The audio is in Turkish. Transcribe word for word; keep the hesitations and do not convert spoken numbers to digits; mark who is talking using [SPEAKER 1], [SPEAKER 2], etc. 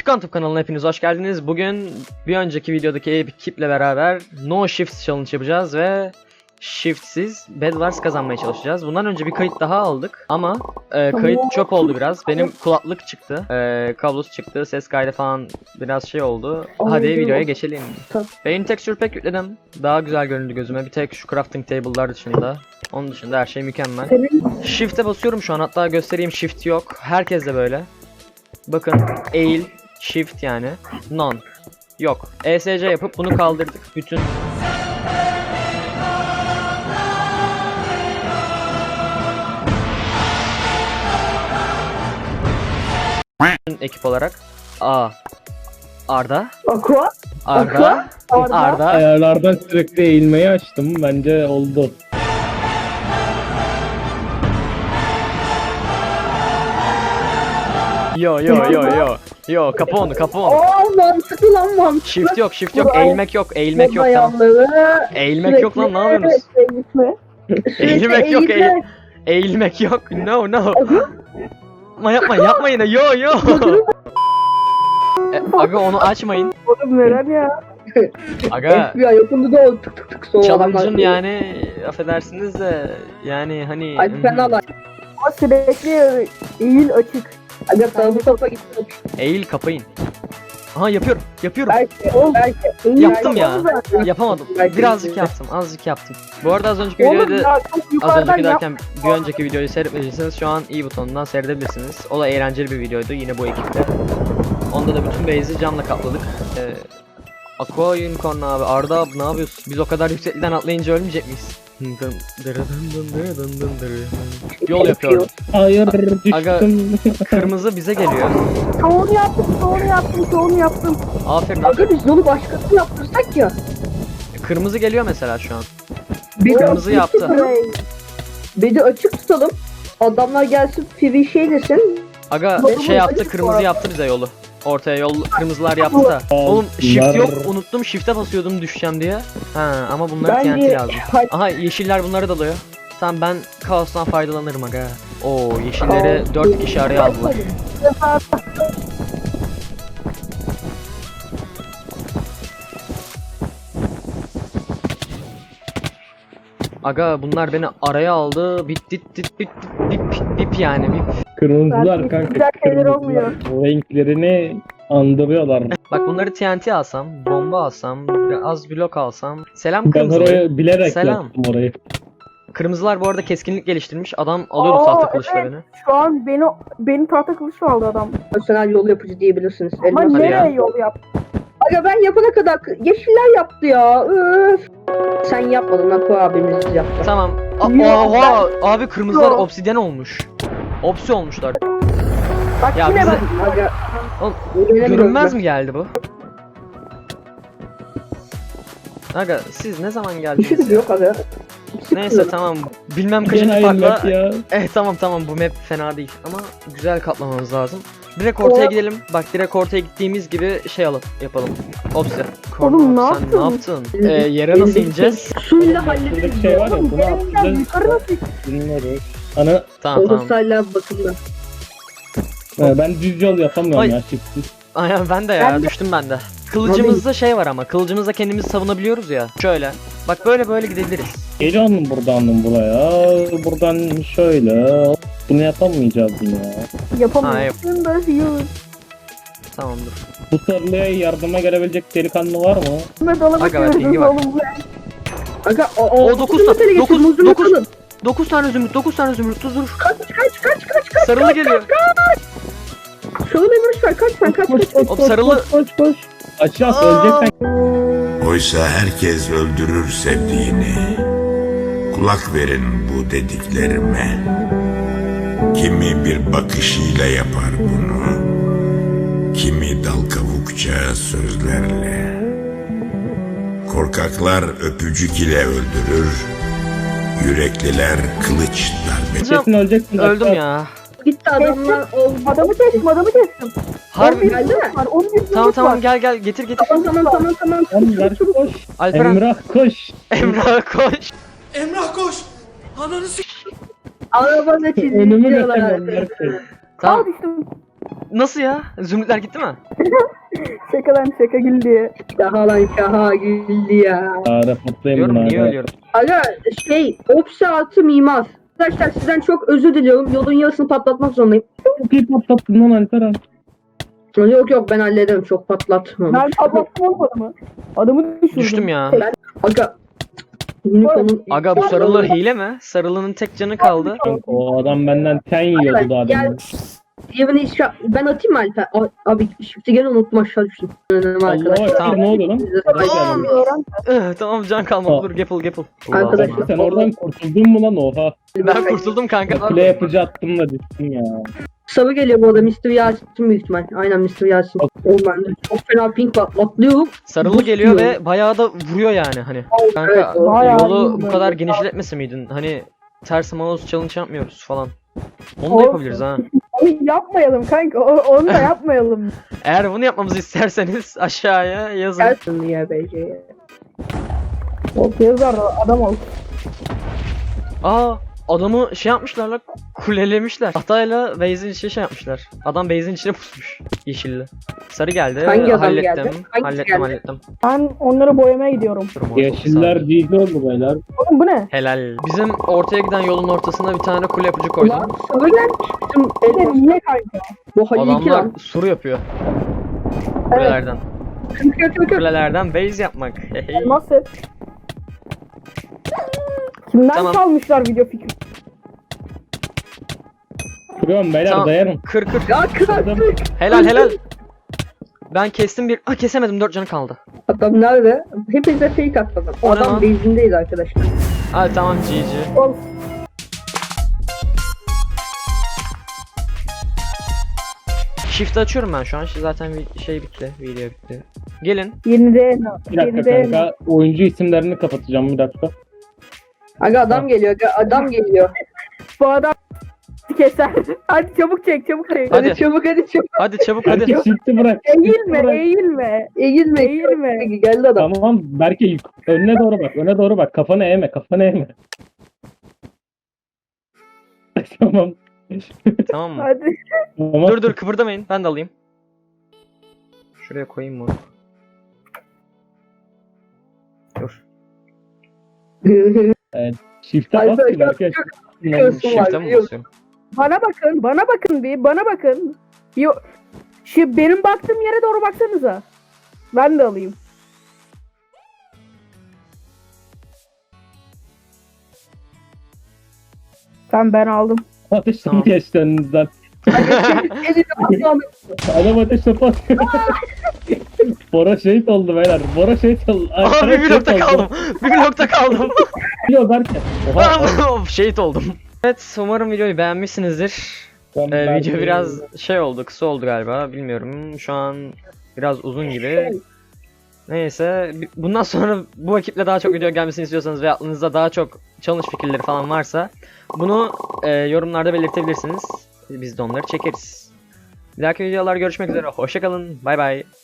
[SPEAKER 1] Quantum kanalına hepiniz hoş geldiniz. Bugün bir önceki videodaki ekiple beraber No Shift Challenge yapacağız ve Shift'siz Bed Wars kazanmaya çalışacağız. Bundan önce bir kayıt daha aldık ama e, kayıt çöp oldu biraz. Benim kulaklık çıktı, e, kablosu çıktı, ses kaydı falan biraz şey oldu. Hadi videoya geçelim. Beyin texture pack yükledim. Daha güzel göründü gözüme. Bir tek şu crafting table'lar dışında. Onun dışında her şey mükemmel. Shift'e basıyorum şu an, hatta göstereyim, shift yok. Herkes de böyle. Bakın, eğil, shift yani, none, yok. E S C yapıp bunu kaldırdık. Bütün ekip olarak. A. Arda.
[SPEAKER 2] Aqua.
[SPEAKER 1] Arda.
[SPEAKER 2] Arda.
[SPEAKER 1] Arda.
[SPEAKER 3] Ayarlardan sürekli eğilmeyi açtım. Bence oldu.
[SPEAKER 1] Yo yo yo yo. Yo, kapı onu, kapı onu.
[SPEAKER 2] Aa, mantıklı lan, mantıklı.
[SPEAKER 1] Shift yok, shift yok, eğilmek yok, eğilmek yok, tamam. Eğilmek yok lan, ne yapıyorsunuz? Eğilmek yok, eğil eğilmek yok. No no. Yapma yapma yapma yine. Yo yo. E, aga onu açmayın.
[SPEAKER 2] Oğlum neren ya?
[SPEAKER 1] Aga
[SPEAKER 2] F B I yapıldı da oldu, tık tık tık soğuk
[SPEAKER 1] challenge'ın
[SPEAKER 2] adamlar.
[SPEAKER 1] yani, affedersiniz de yani hani
[SPEAKER 2] Hadi sen al.
[SPEAKER 4] Ama sürekli eğil açık.
[SPEAKER 2] Aga sana bu topa gitsin.
[SPEAKER 1] eğil kapayın. Aha yapıyorum. Yapıyorum.
[SPEAKER 2] Belki, belki.
[SPEAKER 4] Eğil
[SPEAKER 1] Yaptım ya.
[SPEAKER 4] zaten.
[SPEAKER 1] Yapamadım.
[SPEAKER 2] Belki
[SPEAKER 1] Birazcık
[SPEAKER 2] de.
[SPEAKER 1] yaptım. Azıcık yaptım. Bu arada az önceki
[SPEAKER 4] Oğlum
[SPEAKER 1] videoyu da
[SPEAKER 4] ya çok
[SPEAKER 1] az
[SPEAKER 4] yukarıdan
[SPEAKER 1] önceki
[SPEAKER 4] yap.
[SPEAKER 1] derken bir önceki videoyu seyretmediyseniz şu an i butonundan seyredebilirsiniz. O da eğlenceli bir videoydu yine bu ekiple. Onda da bütün base'i camla kapladık. Ee, Aqua Unicorn abi, Arda abi ne yapıyorsun? Biz o kadar yüksekten atlayınca ölmeyecek miyiz? Yol yapıyorum.
[SPEAKER 3] Hayır
[SPEAKER 1] Aga-
[SPEAKER 3] düştüm.
[SPEAKER 1] Kırmızı bize geliyor.
[SPEAKER 4] Çoğunu yaptım, çoğunu yaptım, çoğunu yaptım.
[SPEAKER 1] Aferin.
[SPEAKER 2] Aga biz yolu başkası yaptırsak ya.
[SPEAKER 1] Kırmızı geliyor mesela şu an.
[SPEAKER 2] Bir
[SPEAKER 1] Kırmızı yaptı.
[SPEAKER 4] Hey,
[SPEAKER 2] Bir de açık tutalım. Adamlar gelsin free şey desin.
[SPEAKER 1] Aga
[SPEAKER 4] Yolumuz
[SPEAKER 1] şey yaptı,
[SPEAKER 4] açık bu
[SPEAKER 1] kırmızı
[SPEAKER 4] arada.
[SPEAKER 1] yaptı bize yolu. Ortaya yol, kırmızılar yaptı da. Oğlum shift yok, unuttum, shift'e basıyordum düşeceğim diye. Ha ama bunlara T N T
[SPEAKER 2] Bence
[SPEAKER 1] lazım.
[SPEAKER 2] hadi
[SPEAKER 1] Aha yeşiller bunları dalıyor. Tamam, ben kaostan faydalanırım aga. Oo, yeşilleri dört kişi araya aldılar. Aga bunlar beni araya aldı. Bit dit dit bit bip bip yani bip.
[SPEAKER 3] Kırmızılar
[SPEAKER 4] Belki
[SPEAKER 3] kanka.
[SPEAKER 4] güzel şeyler
[SPEAKER 3] kırmızılar.
[SPEAKER 4] olmuyor.
[SPEAKER 3] Renklerini andırıyorlar.
[SPEAKER 1] Bak bunları T N T alsam, bomba alsam, az blok alsam. Selam
[SPEAKER 3] Ben
[SPEAKER 1] kırmızı.
[SPEAKER 3] oraya bilerek
[SPEAKER 1] Selam.
[SPEAKER 3] yaptım orayı.
[SPEAKER 1] Kırmızılar bu arada keskinlik geliştirmiş. Adam alıyordu
[SPEAKER 4] Aa,
[SPEAKER 1] tahta kılıçla
[SPEAKER 4] evet.
[SPEAKER 1] beni.
[SPEAKER 4] Şu an beni beni tahta kılıçla aldı adam.
[SPEAKER 2] personel yol yapıcı diyebilirsiniz.
[SPEAKER 4] Ama
[SPEAKER 2] Elmas.
[SPEAKER 1] Hadi
[SPEAKER 4] nereye
[SPEAKER 1] ya.
[SPEAKER 4] yol yap?
[SPEAKER 2] Aga ben yapana kadar kı- yeşiller yaptı ya. Öf. Sen yapmadın, Aqua abimiz yaptı.
[SPEAKER 1] Tamam. A-
[SPEAKER 4] Yok,
[SPEAKER 1] Oha abi, kırmızılar
[SPEAKER 4] Yok.
[SPEAKER 1] obsidyen olmuş. Opsi olmuşlar.
[SPEAKER 4] Bak
[SPEAKER 1] Ya
[SPEAKER 4] yine
[SPEAKER 1] bize-
[SPEAKER 4] bak.
[SPEAKER 2] Aga.
[SPEAKER 1] Oğlum,
[SPEAKER 2] Yine
[SPEAKER 1] Görünmez mi geldi bu? Aga siz ne zaman geldiniz
[SPEAKER 2] İşimiz
[SPEAKER 1] ya?
[SPEAKER 2] yok aga.
[SPEAKER 1] Neyse tamam. Bilmem
[SPEAKER 3] Gene
[SPEAKER 1] kaçıncı
[SPEAKER 3] aynı map
[SPEAKER 1] farkla.
[SPEAKER 3] ya.
[SPEAKER 1] Eh tamam tamam, bu map fena değil ama güzel katlamamız lazım. Direkt ortaya
[SPEAKER 4] O-
[SPEAKER 1] gidelim. Bak direkt ortaya gittiğimiz gibi şey alalım, yapalım. Opsi.
[SPEAKER 4] Oğlum, ne
[SPEAKER 1] Sen
[SPEAKER 4] yaptın?
[SPEAKER 1] ne yaptın? Ee, yere nasıl ineceğiz?
[SPEAKER 2] Suyla hallederiz.
[SPEAKER 3] Buradaki şey var ya,
[SPEAKER 4] Oğlum
[SPEAKER 3] bunu
[SPEAKER 4] benimden
[SPEAKER 3] atacağız.
[SPEAKER 4] yukarı nasıl?
[SPEAKER 3] Bilmiyoruz. Ana
[SPEAKER 1] Tamam tamam.
[SPEAKER 2] Olsayla bakımda.
[SPEAKER 3] ha, ben düz yol yapamıyorum
[SPEAKER 1] Ay.
[SPEAKER 3] ya çiftsiz.
[SPEAKER 1] Aynen ben de ya,
[SPEAKER 4] Ben de-
[SPEAKER 1] düştüm ben de. Kılıcımızda şey var ama, kılıcımızla kendimizi savunabiliyoruz ya. Şöyle. Bak böyle böyle gidebiliriz.
[SPEAKER 3] Geliyor mu buradan buraya? Buradan şöyle. Bunu yapamayacağız yine ya.
[SPEAKER 4] Yapamıyorsun da yürü.
[SPEAKER 1] Tamam dur.
[SPEAKER 3] Bu sarılığa yardıma gelebilecek delikanlı var mı?
[SPEAKER 4] Ne dolaba
[SPEAKER 1] Aga, pingi
[SPEAKER 4] çevirdiniz
[SPEAKER 1] var.
[SPEAKER 4] oğlum bu.
[SPEAKER 2] Aga o o.
[SPEAKER 1] O dokuz tane-
[SPEAKER 2] tane
[SPEAKER 1] dokuz-
[SPEAKER 2] muzunu
[SPEAKER 1] dokuz-
[SPEAKER 2] alın.
[SPEAKER 1] dokuz tane zümrüt, dokuz tane zümrüt, dur dur.
[SPEAKER 2] Kaç kaç kaç kaç kaç.
[SPEAKER 1] Sarılı geliyor.
[SPEAKER 2] Şunu memur ver, kaç sen kaç kaç.
[SPEAKER 1] Hop sarılı.
[SPEAKER 3] Koş koş koş. Aşağı öleceksen.
[SPEAKER 5] Oysa herkes öldürür sevdiğini. Kulak verin bu dediklerime. Kimi bir bakışıyla yapar bunu. Kimi dal kavukça sözlerle. Korkaklar öpücük ile öldürür. Yürekliler kılıç darbe.
[SPEAKER 3] Kesin öleceksin.
[SPEAKER 1] Öldüm
[SPEAKER 3] aşağı.
[SPEAKER 1] ya.
[SPEAKER 2] Gitti adamlar oldu.
[SPEAKER 4] Adamı kestim, adamı kestim.
[SPEAKER 1] Harbi.
[SPEAKER 2] Geldi mi?
[SPEAKER 4] Var, on bir
[SPEAKER 1] Tamam
[SPEAKER 4] zümrüt
[SPEAKER 1] tamam,
[SPEAKER 4] var.
[SPEAKER 1] gel gel, getir getir.
[SPEAKER 2] Tamam tamam tamam tamam.
[SPEAKER 3] Tamam ver koş.
[SPEAKER 1] Alperen.
[SPEAKER 3] Emrah koş.
[SPEAKER 1] Emrah koş.
[SPEAKER 2] Arabada
[SPEAKER 3] Önümü
[SPEAKER 2] çizmişler.
[SPEAKER 3] geçemem. ver koş.
[SPEAKER 4] Aa
[SPEAKER 1] Tamam.
[SPEAKER 4] düştüm.
[SPEAKER 1] Nasıl ya? Zümrütler gitti mi?
[SPEAKER 4] Şaka lan şaka gül diye.
[SPEAKER 2] Şaha lan şaha güldü ya.
[SPEAKER 3] Aa, reportlayayım
[SPEAKER 1] Diyorum
[SPEAKER 3] bunu
[SPEAKER 1] niye
[SPEAKER 3] abi.
[SPEAKER 1] ölüyorum?
[SPEAKER 2] Aga şey Opsi artı mimar. Arkadaşlar sizden çok özür diliyorum. Yolun yarısını patlatmak zorundayım.
[SPEAKER 3] Çok iyi patlattın lan Alper abi.
[SPEAKER 2] Yok yok ben hallederim çok patlatmam.
[SPEAKER 4] Ben patlattım oğlum adamı. Adamı düşürdüm.
[SPEAKER 1] Düştüm ya.
[SPEAKER 2] Aga. Unicorn'un
[SPEAKER 1] Aga bu sarılı hile mi? Sarılının tek canı kaldı.
[SPEAKER 3] Kanka, o adam benden ten yiyordu daha
[SPEAKER 2] Gel.
[SPEAKER 3] demin.
[SPEAKER 2] Diğerini işe... Ben atayım mı Alper? A- Abi shift'i gene unuttum aşağı düştüm. Önüm
[SPEAKER 3] Allah'a
[SPEAKER 2] arkadaşlar.
[SPEAKER 3] ekber,
[SPEAKER 1] Tamam.
[SPEAKER 3] ne oluyor lan?
[SPEAKER 2] Tamam.
[SPEAKER 4] Öğren.
[SPEAKER 1] Eh, tamam can kalmadı.
[SPEAKER 3] Aa.
[SPEAKER 1] Dur gapple gapple.
[SPEAKER 2] Arkadaşlar.
[SPEAKER 3] Sen oradan kurtuldun mu lan oha?
[SPEAKER 1] Ben kurtuldum kanka.
[SPEAKER 3] Kule yapıcı attım da düştün ya.
[SPEAKER 2] Sarı geliyor bu arada mister Yasin büyük ihtimal. Aynen mister Yasin. Oğlum ben de çok fena pink var. Atlıyorum.
[SPEAKER 1] Sarılı
[SPEAKER 2] Buz
[SPEAKER 1] geliyor
[SPEAKER 2] yiyor.
[SPEAKER 1] ve bayağı da vuruyor yani hani.
[SPEAKER 2] Evet,
[SPEAKER 1] Kanka
[SPEAKER 2] doğru.
[SPEAKER 4] Bayağı
[SPEAKER 1] yolu
[SPEAKER 4] iyi
[SPEAKER 1] bu kadar
[SPEAKER 4] böyle.
[SPEAKER 1] genişletmese miydin? Hani ters mouse challenge yapmıyoruz falan. Onu da
[SPEAKER 4] Olsun.
[SPEAKER 1] yapabiliriz ha.
[SPEAKER 4] Onu yapmayalım kanka. O- Onu da yapmayalım.
[SPEAKER 1] Eğer bunu yapmamızı isterseniz aşağıya yazın.
[SPEAKER 2] Gelsin ya bence.
[SPEAKER 4] Ortaya yazar da adam ol.
[SPEAKER 1] Aa adamı şey yapmışlar lan, kulelemişler. Hatayla base'in içine şey yapmışlar. Adam base'in içine pusmuş yeşilli. Sarı geldi.
[SPEAKER 2] Hangi adam
[SPEAKER 1] hallettim.
[SPEAKER 2] geldi? Hangisi
[SPEAKER 1] hallettim
[SPEAKER 2] geldi?
[SPEAKER 1] hallettim.
[SPEAKER 4] Ben onları boyamaya gidiyorum.
[SPEAKER 1] Durum ortada.
[SPEAKER 3] Yeşiller G G oldu beyler.
[SPEAKER 4] Oğlum bu ne?
[SPEAKER 1] Helal. Bizim ortaya giden yolun ortasına bir tane kule yapıcı koydum.
[SPEAKER 2] Ulan sarı gelmiş. Bizim
[SPEAKER 4] Bir de
[SPEAKER 2] elmas.
[SPEAKER 4] niye kanka?
[SPEAKER 2] Bu Halil iki
[SPEAKER 1] Adamlar
[SPEAKER 2] lan.
[SPEAKER 1] sur yapıyor.
[SPEAKER 4] Evet.
[SPEAKER 1] Kulelerden.
[SPEAKER 2] Kırk kırk kırk kırk.
[SPEAKER 1] Kulelerden base yapmak. Hey.
[SPEAKER 4] Elmas set. Kimden
[SPEAKER 1] Tamam.
[SPEAKER 4] çalmışlar video fikri?
[SPEAKER 3] Kırıyorum beyler
[SPEAKER 1] Tamam.
[SPEAKER 3] dayanın.
[SPEAKER 1] Kır kır.
[SPEAKER 2] Ya kırk
[SPEAKER 3] Adam-
[SPEAKER 2] kırk.
[SPEAKER 1] Helal helal. Ben kestim bir. Ah kesemedim, dört canı kaldı.
[SPEAKER 2] Adam nerede? Hepinize fake atladım. O
[SPEAKER 1] O ne
[SPEAKER 2] adam
[SPEAKER 1] lan?
[SPEAKER 2] base'indeyiz arkadaşlar.
[SPEAKER 1] Hadi tamam G G.
[SPEAKER 4] Oğlum,
[SPEAKER 1] Shift açıyorum ben şu an. Zaten bir şey bitti. Video bitti. Gelin.
[SPEAKER 4] Yeni de
[SPEAKER 3] Bir dakika
[SPEAKER 4] yeni de
[SPEAKER 3] kanka. Oyuncu isimlerini kapatacağım bir dakika.
[SPEAKER 2] Aga adam geliyor. Aga adam geliyor.
[SPEAKER 4] bu adam keser. Hadi çabuk çek çabuk çek.
[SPEAKER 1] Hadi.
[SPEAKER 2] Hadi çabuk hadi çabuk.
[SPEAKER 1] Hadi çabuk hadi.
[SPEAKER 3] Herkes shift'i bırak.
[SPEAKER 4] Eğilme
[SPEAKER 3] Bırak.
[SPEAKER 4] eğilme.
[SPEAKER 2] Eğilme.
[SPEAKER 4] Eğilme.
[SPEAKER 2] Geldi adam.
[SPEAKER 3] Tamam Berke yük- önüne doğru bak. Öne doğru bak. Kafanı eğme. Kafanı eğme. Tamam.
[SPEAKER 1] Tamam mı?
[SPEAKER 4] Hadi.
[SPEAKER 3] Tamam.
[SPEAKER 1] Dur dur kıpırdamayın. Ben de alayım. Şuraya koyayım bunu. Dur.
[SPEAKER 3] Shift'e bas
[SPEAKER 2] Alper,
[SPEAKER 3] ki Berke.
[SPEAKER 2] Biliyorsun var,
[SPEAKER 1] Shift'e mi
[SPEAKER 2] biliyorum.
[SPEAKER 1] basıyorum?
[SPEAKER 4] Bana bakın bana bakın bir bana bakın. Yo, şu benim baktığım yere doğru baksanıza. Ben de alayım. Tamam ben aldım.
[SPEAKER 3] Ateş
[SPEAKER 1] Tamam.
[SPEAKER 3] geçti önünüzden.
[SPEAKER 2] Elini atladı.
[SPEAKER 3] Adam ateş topu atıyor. Bora şehit oldu beyler. Bora şehit oldu.
[SPEAKER 1] Aa
[SPEAKER 3] Alper
[SPEAKER 1] bir
[SPEAKER 3] şehit
[SPEAKER 1] blokta
[SPEAKER 3] oldu.
[SPEAKER 1] kaldım. Bir blokta kaldım.
[SPEAKER 3] Yok Berke. Oha.
[SPEAKER 1] Of, şehit oldum. Evet umarım videoyu beğenmişsinizdir.
[SPEAKER 3] Ben
[SPEAKER 1] Ee,
[SPEAKER 3] Berke'yi-
[SPEAKER 1] video biraz şey oldu, kısa oldu galiba. Bilmiyorum. Şu an biraz uzun gibi. Neyse. bi- Bundan sonra bu ekiple daha çok video gelmesini istiyorsanız ve aklınızda daha çok challenge fikirleri falan varsa bunu e, yorumlarda belirtebilirsiniz. Biz de onları çekeriz. Bir dahaki videolar görüşmek üzere. Hoşçakalın. Bay bay.